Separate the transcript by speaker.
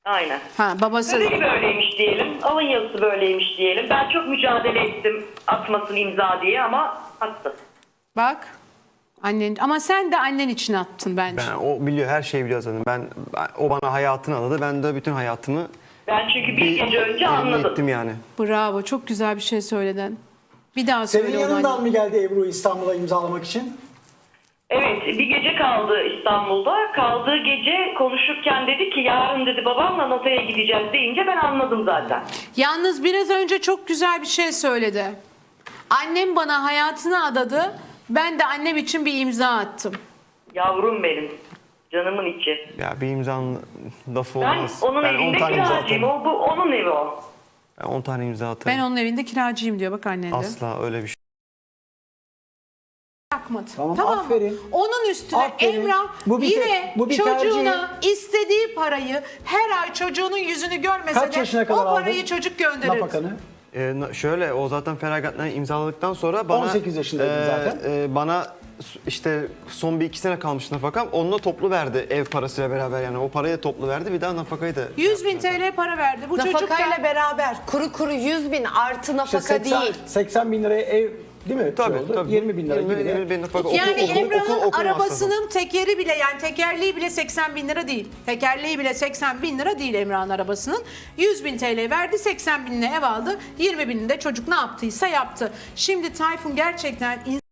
Speaker 1: Aynen.
Speaker 2: Ha, babası.
Speaker 1: Bedeli böyleymiş diyelim. Alın yazısı böyleymiş diyelim. Ben çok mücadele ettim atmasın imza diye ama attı.
Speaker 2: Bak. Annen, ama sen de annen için attın bence.
Speaker 3: O biliyor, her şeyi biliyor zaten. O bana hayatını adadı. Ben de bütün hayatımı
Speaker 1: Ben çünkü bir gece önce anladım.
Speaker 3: ettim yani.
Speaker 2: Bravo. Çok güzel bir şey söyledin. Bir daha söyle.
Speaker 4: Senin
Speaker 2: onu
Speaker 4: yanından
Speaker 2: anne.
Speaker 4: mı geldi Ebru İstanbul'a imzalamak için?
Speaker 1: Evet, bir gece kaldı İstanbul'da. Kaldığı gece konuşurken dedi ki yarın dedi babamla notaya gideceğiz deyince ben anladım zaten.
Speaker 2: Yalnız biraz önce çok güzel bir şey söyledi. Annem bana hayatını adadı. Ben de annem için bir imza attım.
Speaker 1: Yavrum benim. Canımın içi.
Speaker 3: Ya bir imzanın lafı
Speaker 1: Ben
Speaker 3: olmaz.
Speaker 1: onun
Speaker 3: Ben 10
Speaker 1: evinde
Speaker 3: tane imza
Speaker 1: kiracıyım.
Speaker 3: atarım.
Speaker 1: Bu onun evi o.
Speaker 3: Ben 10 tane imza atarım.
Speaker 2: Ben onun evinde kiracıyım diyor. Bak annen de.
Speaker 3: Asla öyle bir şey.
Speaker 2: Bırakmadı.
Speaker 4: Tamam,
Speaker 2: mı?
Speaker 4: aferin.
Speaker 2: Onun üstüne
Speaker 4: Aferin.
Speaker 2: Emrah
Speaker 4: Bu bir
Speaker 2: yine
Speaker 4: bu bir
Speaker 2: çocuğuna istediği parayı her ay çocuğunun yüzünü görmese
Speaker 4: Kaç
Speaker 2: de
Speaker 4: yaşına
Speaker 2: o
Speaker 4: kadar
Speaker 2: parayı
Speaker 4: aldın?
Speaker 2: çocuk gönderir.
Speaker 4: Nafakanı.
Speaker 3: Şöyle, o zaten feragatname imzaladıktan sonra bana
Speaker 4: 18 yaşındaydın zaten.
Speaker 3: Bana işte son bir 2 sene kalmış nafakam. Onunla toplu verdi, ev parasıyla beraber, yani o parayı da toplu verdi. Bir daha nafakayı da
Speaker 2: 100.000 TL para verdi. Bu çocuk
Speaker 5: Nafakayla
Speaker 2: da
Speaker 5: beraber kuru kuru 100.000 artı
Speaker 4: İşte
Speaker 5: nafaka değil.
Speaker 4: 80 bin liraya ev değil mi?
Speaker 3: Tabii,
Speaker 4: Oldu?
Speaker 3: tabii.
Speaker 4: 20 bin lira gibi.
Speaker 3: 20 bin nafaka.
Speaker 2: yani
Speaker 3: Okul
Speaker 2: Emrah'ın
Speaker 3: masrafı.
Speaker 2: arabasının tekeri bile, yani tekerleği bile 80.000 lira değil. Tekerleği bile 80.000 lira değil Emrah'ın arabasının. 100.000 TL verdi, 80.000'ine ev aldı. 20.000'inde çocuk ne yaptıysa yaptı. Şimdi Tayfun gerçekten